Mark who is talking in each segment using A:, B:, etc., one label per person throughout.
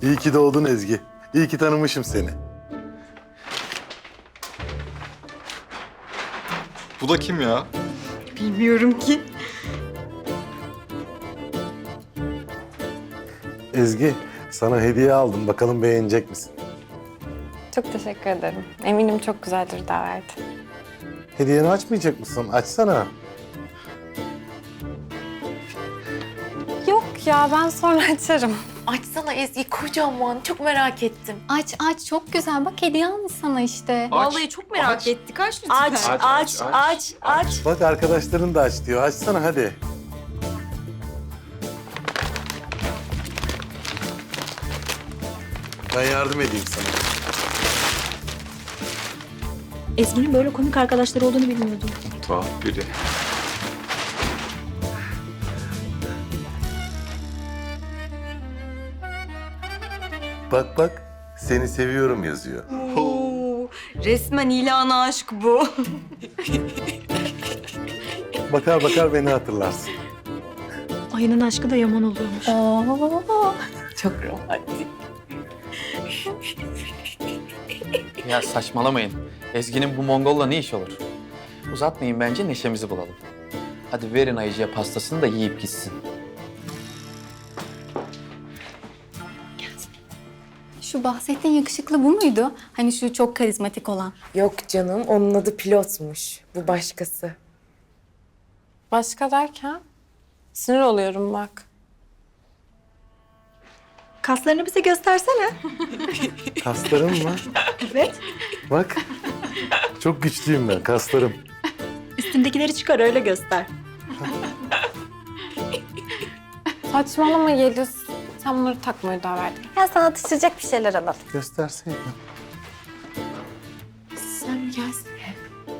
A: İyi ki doğdun Ezgi. İyi ki tanımışım seni.
B: Bu da kim ya?
C: Bilmiyorum ki.
A: Ezgi, sana hediye aldım. Bakalım beğenecek misin?
D: Çok teşekkür ederim. Eminim çok güzeldir davet.
A: Hediyeni açmayacak mısın? Açsana.
D: Yok ya, ben sonra açarım.
E: Açsana Ezgi, kocaman. Çok merak ettim.
C: Aç aç, çok güzel. Bak hediye almış sana işte.
B: Vallahi
C: çok merak ettik. Aç lütfen.
B: Aç.
A: Bak arkadaşların da aç diyor. Açsana hadi. Ben yardım edeyim sana.
F: Ezgi'nin böyle komik arkadaşları olduğunu bilmiyordum.
B: Tuhaf biri.
A: Bak bak, seni seviyorum yazıyor.
C: Resmen ilana aşk bu.
A: Bakar bakar beni hatırlarsın.
F: Ayının aşkı da yaman oluyormuş.
E: Çok romantik.
G: Ya saçmalamayın. Ezgi'nin bu Mongol'la ne iş olur? Uzatmayın bence, neşemizi bulalım. Hadi verin Ayıcı'ya pastasını da yiyip gitsin.
C: Şu bahsettiğin yakışıklı bu muydu? Hani şu çok karizmatik olan.
E: Yok canım, onun adı pilotmuş. Bu başkası.
D: Başka derken? Sinir oluyorum bak.
F: Kaslarını bize göstersene.
A: Kaslarım mı?
F: Evet.
A: Bak, çok güçlüyüm ben, kaslarım.
F: Üstündekileri çıkar öyle göster.
D: Saçmalama Yeliz. Sen bunları takmaya daha verdin. Ya sana atıştıracak bir şeyler alalım.
A: Gösterseydin.
E: Sen gelsene.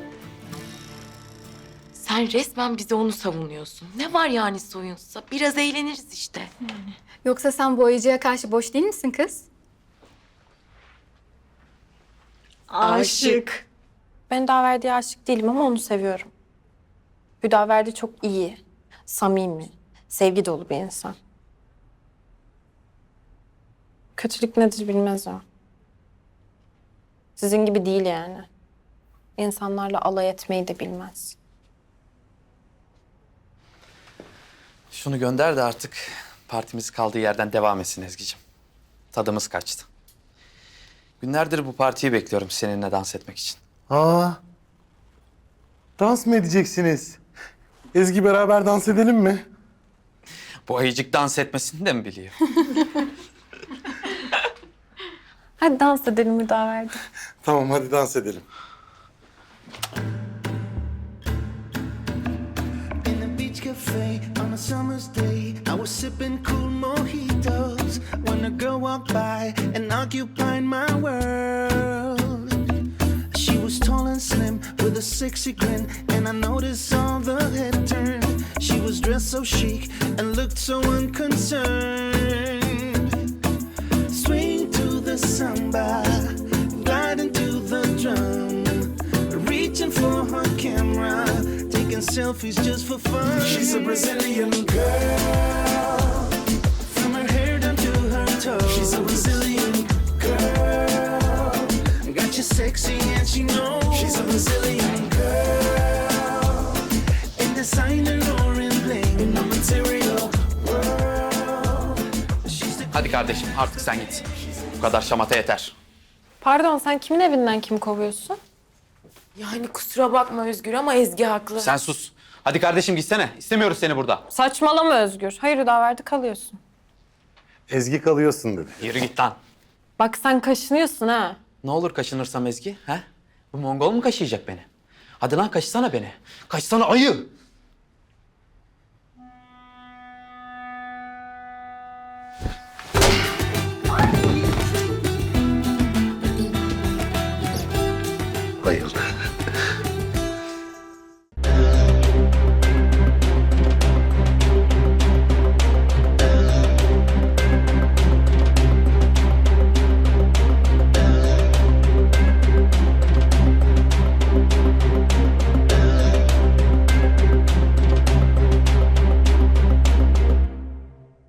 E: Sen resmen bize onu savunuyorsun. Ne var yani soyunsa? Biraz eğleniriz işte.
C: Yoksa sen bu oyuncuya karşı boş değil misin kız?
E: Aşık.
D: Ben Daverdi'ye aşık değilim ama onu seviyorum. Hüdaverdi çok iyi, samimi, sevgi dolu bir insan. Kötülük nedir bilmez o. Sizin gibi değil yani. İnsanlarla alay etmeyi de bilmez.
G: Şunu gönder de artık partimiz kaldığı yerden devam etsin Ezgi'ciğim. Tadımız kaçtı. Günlerdir bu partiyi bekliyorum seninle dans etmek için.
A: Aa, dans mı edeceksiniz? Ezgi, beraber dans edelim mi?
G: Bu Ayıcık dans etmesini de mi biliyor?
D: Hadi dans edelim Hüdaverdi.
A: Tamam, hadi dans edelim.
H: In a beach cafe on a summer's day, I was sipping cool mojitos when a girl walked by and occupied my world. She was tall and slim with a sexy grin, and I noticed all the head turn. She was dressed so chic and looked so unconcerned. Swing to the samba, gliding to the drum, reaching for her camera, taking selfies just for fun. She's a Brazilian girl, from her hair down to her toes. She's a Brazilian girl, got you sexy and she knows. She's a Brazilian girl, in designer or in bling, in the material world. She's the
G: Hadi kardeşim artık sen git. Bu kadar şamata yeter.
D: Pardon, sen kimin evinden kimi kovuyorsun?
E: Yani kusura bakma Özgür ama Ezgi haklı.
G: Sen sus. Hadi kardeşim gitsene. İstemiyoruz seni burada.
D: Saçmalama Özgür. Hayır Hüdaverdi, kalıyorsun.
A: Ezgi, kalıyorsun dedi.
G: Yürü git lan.
D: Bak sen kaşınıyorsun ha.
G: Ne olur kaşınırsam Ezgi, ha? Bu Mongol mu kaşıyacak beni? Hadi lan kaşısana beni. Kaşısana ayı.